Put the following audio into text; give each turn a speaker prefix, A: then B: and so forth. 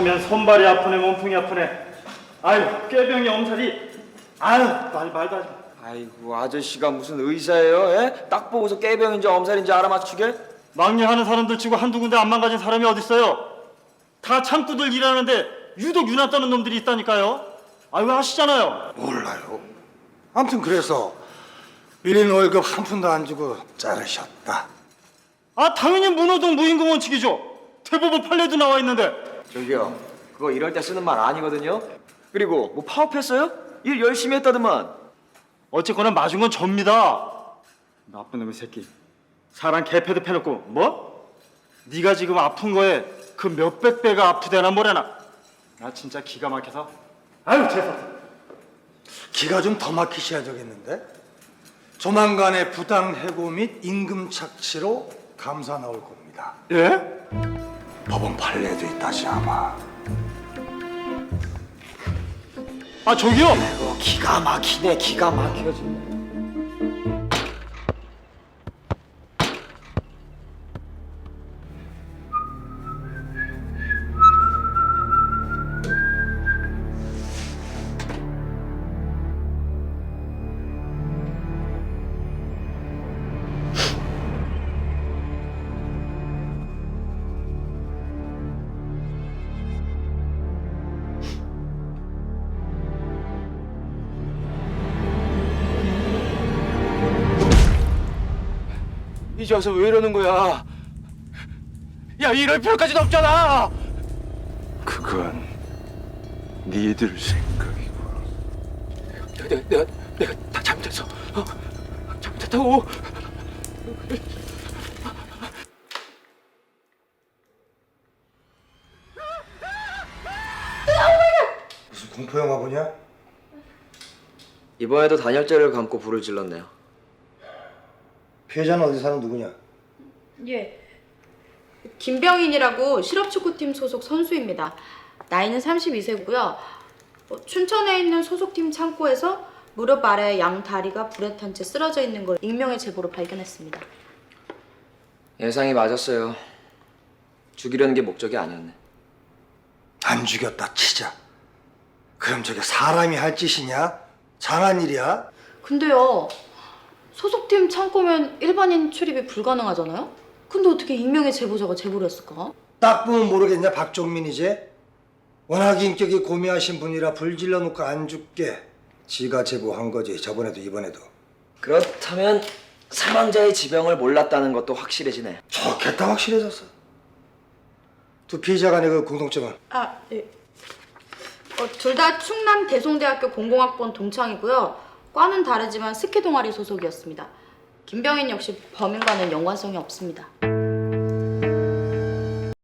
A: 하면 손발이 아프네, 몸통이 아프네. 아유, 꾀병이 엄살이. 아유, 말도 하지 마.
B: 아이고 아저씨가 무슨 의사예요? 예? 딱 보고서 깨병인지 엄살인지 알아맞추게?
A: 막내하는 사람들 치고 한두 군데 안 망가진 사람이 어딨어요? 다 창구들 일하는데 유독 유난 떠는 놈들이 있다니까요. 아유, 아시잖아요.
C: 몰라요. 아무튼 그래서 1인 월급 한 푼도 안 주고 자르셨다.
A: 아, 당연히 문호동 무임금 원칙이죠. 대법원 판례도 나와 있는데.
B: 저기요 그거 이럴 때 쓰는 말 아니거든요. 그리고 뭐 파업했어요? 일 열심히 했다더만.
A: 어쨌거나 맞은 건 접니다. 나쁜 놈의 새끼. 사람 개패도 패놓고 뭐? 네가 지금 아픈 거에 그 몇백 배가 아프대나 뭐래나. 나 진짜 기가 막혀서. 아유, 재수없어.
C: 기가 좀 더 막히셔야 되겠는데? 조만간에 부당 해고 및 임금 착취로 감사 나올 겁니다.
A: 예?
C: 법원 판례도 있다시 아마.
A: 아, 저기요.
B: 기가 막히네 기가 막혀 정말. 이제 와서 왜 이러는 거야? 야 이럴 필요까지는 없잖아.
C: 그건 니들 생각이고.
B: 내가 다 잘못했어. 잘못했다고.
C: 무슨 공포영화 보냐?
B: 이번에도 단열재를 감고 불을 질렀네요.
C: 피해자는 어디 사는 누구냐?
D: 예. 김병인이라고 실업축구팀 소속 선수입니다. 나이는 32세고요. 춘천에 있는 소속팀 창고에서 무릎 아래 양 다리가 불에 탄 채 쓰러져 있는 걸 익명의 제보로 발견했습니다.
B: 예상이 맞았어요. 죽이려는 게 목적이 아니었네.
C: 안 죽였다 치자. 그럼 저게 사람이 할 짓이냐? 장한 일이야?
D: 근데요. 소속팀 창고면 일반인 출입이 불가능하잖아요? 근데 어떻게 익명의 제보자가 제보를 했을까?
C: 딱 보면 모르겠냐 박종민이지? 워낙 인격이 고미하신 분이라 불질러 놓고 안 죽게 지가 제보한 거지. 저번에도 이번에도.
B: 그렇다면 사망자의 지병을 몰랐다는 것도 확실해지네.
C: 좋겠다. 확실해졌어. 두 피해자 간의 그 공통점은?
D: 아, 예. 둘 다 충남 대송대학교 공공학번 동창이고요. 과는 다르지만 스키 동아리 소속이었습니다. 김병인 역시 범인과는 연관성이 없습니다.